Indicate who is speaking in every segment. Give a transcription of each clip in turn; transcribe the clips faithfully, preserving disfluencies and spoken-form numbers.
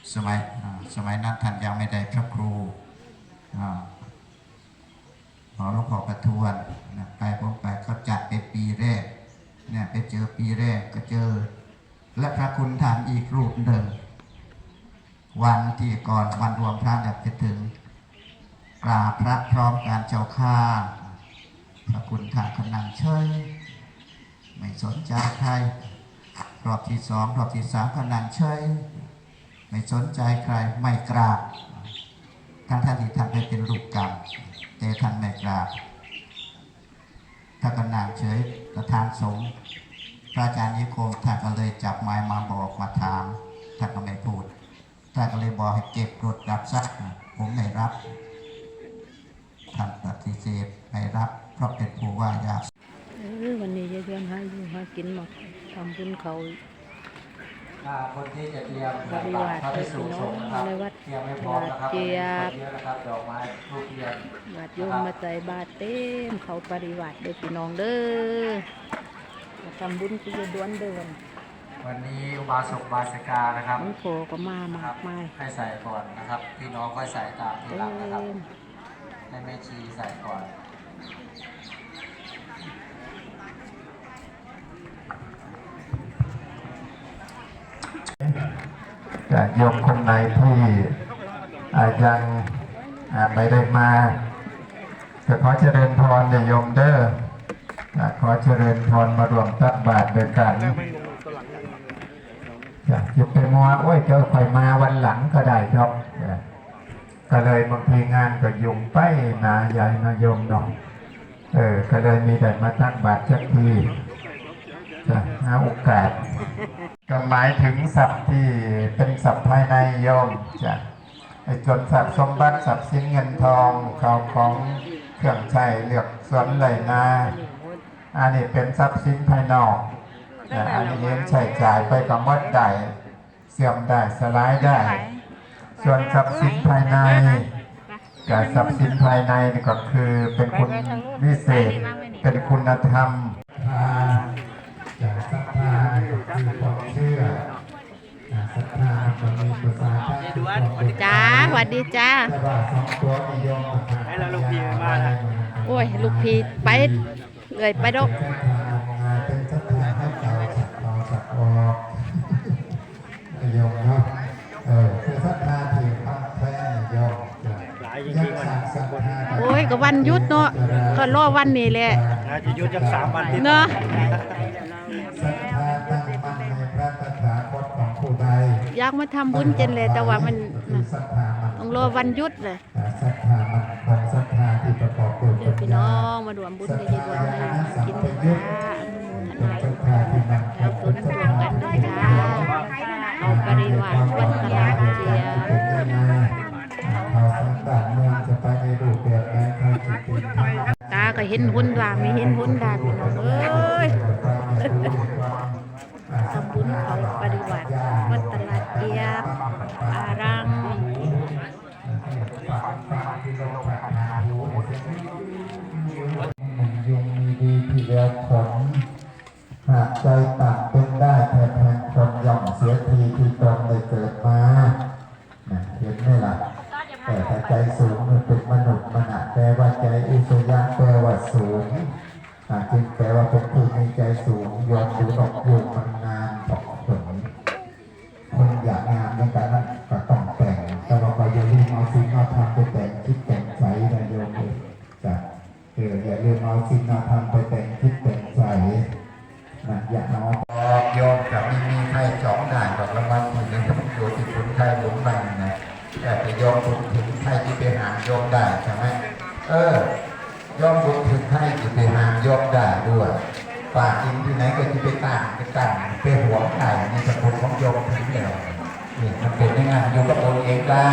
Speaker 1: สมัยสมัยนั้นท่านยังไม่ได้พระครูหอหลวงพ่อประทวนไปผมไปเขาจัดเป็นปีแรกเนี่ยไปเจอปีแรกก็เจอและพระคุณท่านอีกรูปหนึ่งวันที่ก่อนวันรวมพระจะไปถึงกราบพระพร้อมการเจ้าข้าพระคุณท่านก็นั่งเฉยไม่สนใจใครรอบที่สองรอบที่สามก็นั่งเฉยไม่สนใจใครไม่กราบท่านท่านที่ท่านได้เป็นรูปกรรมแต่ท่านไม่กราบถ้าก็นั่งเฉยประธานสงฆ์พระอาจารย์นิคมท่านก็เลยจับไม้มาบอกมาถามท่านก็ไม่พูดท่านก็เลยบอกให้เก็บกดรับซักผมไม่รับท่านปฏิเสธไม่รับเพราะเป็นผู้ว่ายาก
Speaker 2: วันนี้จะเตรียมหาอยู่หากินมาทำบุญเขา
Speaker 1: คนที่จะเตรียม
Speaker 2: บริวารไปสู่สงฆ์นะครับเตรียมไม่พร้อมนะครับเจียบ
Speaker 1: ดอกไม้ทูบเทียน
Speaker 2: บาดโยมมาใจบาดเต็มเขาปริวารเด็กพี่น้องเด้อมาทำบุญที่จะด้วนเดิน
Speaker 1: วันนี้อุบาสกบาสิกานะครับ
Speaker 2: มันโผก็มามากมาย
Speaker 1: ให้ใส่ก่อนนะครับพี่น้องค่อยใส่ตามทีหลังนะครับให้แม่ชีใส่ก่อนจะโยมคนไหนที่ยังไม่ได้มาจะขอเจริญพรโยมเด้อขอเจริญพรมารวมตักบาตรด้วยกันจะจะไปมัวโอ้ยเจอใครมาวันหลังก็ได้ครับก็เลยบางทีงานก็ยุ่งไปนะใหญ่นะโยมน้องเออก็เลยมีแต่มาตักบาตรสักทีจะหาโอกาสก็หมายถึงทรัพย์ที่เป็นทรัพย์ภายในโยมจะไอ้จนทรัพย์สมบัติทรัพย์สินเงินทองข้าวของเครื่องใช้เลือกสวนไรนาอันนี้เป็นทรัพย์สินภายนอกแต่อันนี้เลี้ยงใช้จ่ายไปกับมดได้เสื่อมได้สลายได้ส่วนทรัพย์สินภายในกับทรัพย์สินภายในนี่ก็คือเป็นคุณวิเศษเป็นคุณธรรมจากศรัทธาคือความเชื่อศรัทธามันมีภาษา
Speaker 2: จ้าสวัสดีจ้า
Speaker 1: ให้เราลูกพีมา
Speaker 2: โอ้ยลูกพีไปเลยไปดอก
Speaker 1: เป็นศรัทธาให้เก่าสักเก่าสักออกโยมเนาะเออคือศรัทธาที่พังแท้โยมหลายจริงๆวัน
Speaker 2: โอ้ยก็วันยุดเนาะก็รอวันนี้แหละ
Speaker 1: จะยุดจังสามวัน
Speaker 2: เนาะ
Speaker 1: ศรัทธาตั้งมั่นในพระตถาคตของผู้ใด
Speaker 2: อยากมาทำบุญเจนเลยแต่ว่ามันต้องรอวันยุดเลย
Speaker 1: ศรัทธามันของศรัทธาที่ประกอบด้วย
Speaker 2: เดี๋ยวพี่น้องมาดวมบุญกันดีกว่ากินจ้าเอาตัวนั้นรวมกันด้วยจ้าเอาปริวารวันตลาดเจีย
Speaker 1: เอาสังกัดเมืองจะไปในรูปแบบไหนใครจะเป็น
Speaker 2: ตาก็เห็นหุ่นดาไม่เห็นหุ่นดาพี่น้องเอ้ยทำบุญเอาปริวารวัดตลาดเจียบอารัง
Speaker 1: ยงมีดีที่เดียวผลหากใจต่ำเป็นได้แทนแทนคนย่อมเสียทีที่ตนได้เกิดมาเห็นไหมล่ะแต่ถ้าใจสูงมันเป็นมนุษย์มนุษย์แปลว่าใจอุศยะแปลว่าสูงจึงแปลว่าเป็นผู้มีใจสูงยอมสูงออกอยู่มันงานตกผลคนอยากงานในการนั้นก็ต้องแต่งแต่เราก็อย่าลืมเอาสิ่งเราทำไปแต่งคิดแต่งใจนะโยมจ้ะเอออย่าลืมเอาสิ่งเราทำไปแต่งคิดแต่งใจนะอย่าเอาโยมกับมีมีใครจ้องได้ดอกละมันถึงจะต้องอยู่ที่คุณใครหลงบังนะแต่ไปโยมบุญถึงใครที่ไปหาโยมได้ใช่ไหมเออยอมบุญถึงให้ที่ไปหาโยมได้ด้วยปากกินที่ไหนก็ที่ไปตั้งไปตั้งไปหัวไก่ในสกุลของโยมถึงแล้วนี่มันเป็นยังไงโยมก็ตัวเองได้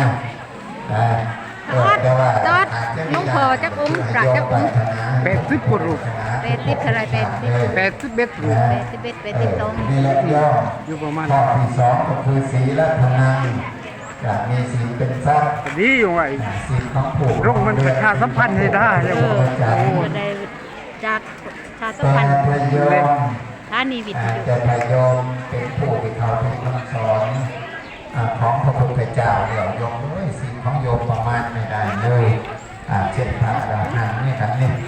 Speaker 1: แต่ว่า
Speaker 2: น้องพอจักอุ้มปราจักอุ้ม
Speaker 3: แปดสิบกว่ารูป
Speaker 2: แปดสิบเท่าไรแปดสิบ
Speaker 3: แปดสิบเอ็ดรูป
Speaker 2: แปดสิบเอ็ดแปดสิบสอง
Speaker 1: นี่แหละย่อ
Speaker 3: อยู่ประมาณ
Speaker 1: ข้อที่สองก็คือศีลธรรมจะมีศีลเป็นทรัพย์
Speaker 3: ดีอยู่ไง
Speaker 1: ศีลของผู้
Speaker 3: ร่งมันประชาสัมพันธ์ให้ได้
Speaker 2: เออได้จากชาสัมพันธ์ท่านีวิทยุ
Speaker 1: แต่พยอมเป็นผู้ที่เขาที่คำสอนของพระพุทธเจ้าเดี๋ยวโยมเลยสิ่งของโยมประมาณไม่ได้เลยอ่าเช่นพระอรหันต์นี่ครับนี่